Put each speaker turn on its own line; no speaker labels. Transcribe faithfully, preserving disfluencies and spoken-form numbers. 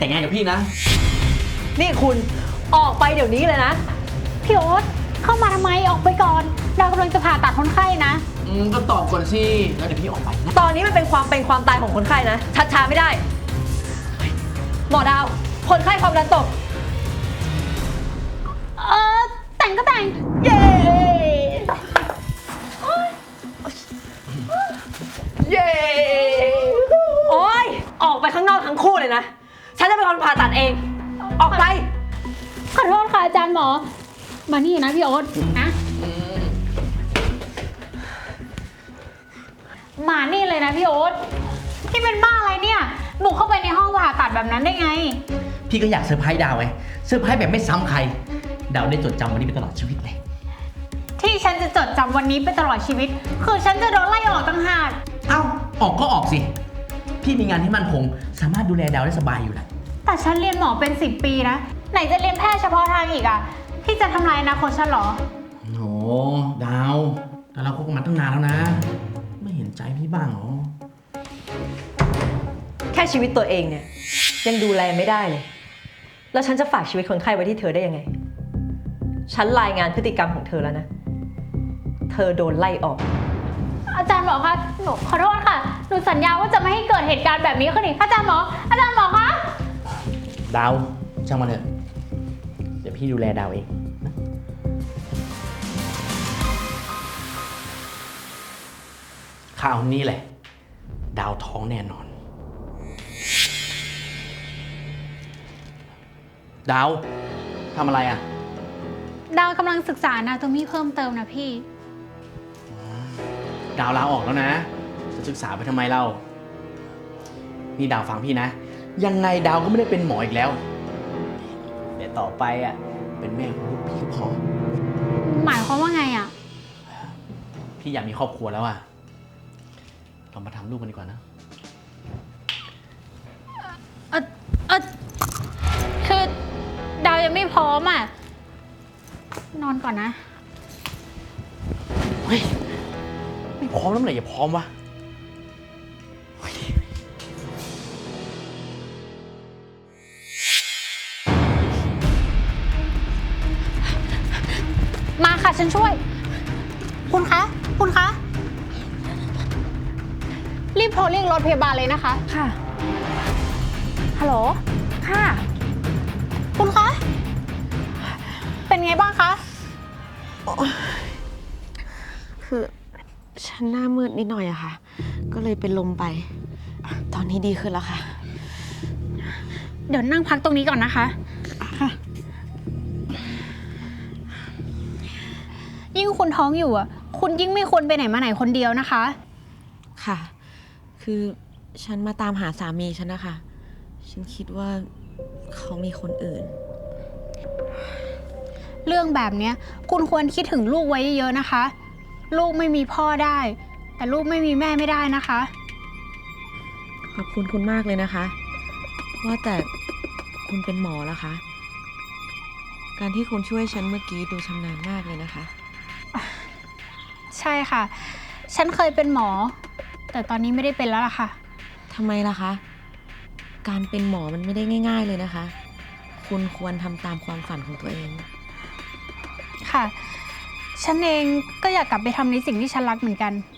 แต่งงานกับพี่นะ
นี่คุณออกไปเดี๋ยวนี้เลยนะ
พี่โอ๊ตเข้ามาทำไมออกไปก่อนเรากำลังจะผ่าตัดคนไข้นะ
อืมก็ตอบก่อนสิแล้วเดี๋ยวพี่ออกไปนะ
ตอนนี้มันเป็นความเป็นความตายของคนไข้นะชัดช้าไม่ได้หมอดาวคนไข้ความดันตก
เออแต่งก็แต่ง
เย้เย้โอ๊ยออกไปข้างนอกทั้งคู่เลยนะฉันจะเป็นคนผ่าตัดเองออกไป
ขอโทษค่ะอาจารย์หมอมานี่นะพี่โอ๊ตนะมานี่เลยนะพี่โอ๊ตที่เป็นบ้าอะไรเนี่ยบุกเข้าไปในห้องผ่าตัดแบบนั้นได้ไง
พี่ก็อยากเซอร์ไพรส์ดาวไงเซอร์ไพรส์แบบไม่ซ้ำใครดาวได้จดจำวันนี้ไปตลอดชีวิตเลย
ที่ฉันจะจดจำวันนี้ไปตลอดชีวิตคือฉันจะโดนไล่ออกต่างหาก
เอ้าออกก็ออกสิพี่มีงานที่มั่นคงสามารถดูแลดาวได้สบายอยู่แหละ
แต่ฉันเรียนหมอเป็นสิบปีนะไหนจะเรียนแพทย์เฉพาะทางอีกอะพี่จะทำลายอนาคตฉันเหรอ
โอ้ดาวแต่เราคบกันมาตั้งนานแล้วนะไม่เห็นใจพี่บ้างเหรอ
แค่ชีวิตตัวเองเนี่ยยังดูแลไม่ได้เลยแล้วฉันจะฝากชีวิตคนไข้ไว้ที่เธอได้ยังไงฉันรายงานพฤติกรรมของเธอแล้วนะเธอโดนไล่ออก
อาจารย์หมอคะหนูขอโทษค่ะหนูสัญญาว่าจะไม่ให้เกิดเหตุการณ์แบบนี้ขึ้นอีกอาจารย์หมออาจารย์หมอคะ
ดาวช่างมันเถอะเดี๋ยวพี่ดูแลดาวเองนะข่าวนี้แหละดาวท้องแน่นอนดาวทำอะไรอ่ะ
ดาวกำลังศึกษาอนาโตมีเพิ่มเติมนะพี่
ดาวลาออกแล้วนะจะศึกษาไปทำไมเล่านี่ดาวฟังพี่นะยังไงดาวก็ไม่ได้เป็นหมออีกแล้วแต่ต่อไปอ่ะเป็นแม่ของลูกพี่ก็พอ
หมายความว่าไงอ่ะ
พี่อยากมีครอบครัวแล้วอ่ะเรามาทำลูกกันดีกว่านะ
เออเออคือดาวยังไม่พร้อมอ่ะนอนก่อนนะ
เฮ้ยไม่พร้อมแล้วเมื่อไหร่จะพร้อมวะ
มาค่ะฉันช่วยคุณคะคุณคะรีบโทรเรียกรถพยาบาลเลยนะคะ
ค่ะฮัลโหลค่ะ
คุณคะเป็นไงบ้างคะ
คือฉันหน้ามืดนิดหน่อยอะค่ะก็เลยเป็นลมไปตอนนี้ดีขึ้นแล้วค่ะ
เดี๋ยวนั่งพักตรงนี้ก่อนนะคะค่ะยิ่งคุณท้องอยู่อ่ะคุณยิ่งไม่ควรไปไหนมาไหนคนเดียวนะคะ
ค่ะคือฉันมาตามหาสามีฉันนะคะฉันคิดว่าเขามีคนอื่น
เรื่องแบบนี้คุณควรคิดถึงลูกไว้เยอะๆนะคะลูกไม่มีพ่อได้แต่ลูกไม่มีแม่ไม่ได้นะคะ
ขอบคุณคุณมากเลยนะคะว่าแต่คุณเป็นหมอแล้วคะการที่คุณช่วยฉันเมื่อกี้ดูชำนาญมากเลยนะคะ
ใช่ค่ะฉันเคยเป็นหมอแต่ตอนนี้ไม่ได้เป็นแล้วล่ะค่ะ
ทำไมล่ะคะการเป็นหมอมันไม่ได้ง่ายๆเลยนะคะคุณควรทำตามความฝันของตัวเอง
ค่ะฉันเองก็อยากกลับไปทำในสิ่งที่ฉันรักเหมือนกัน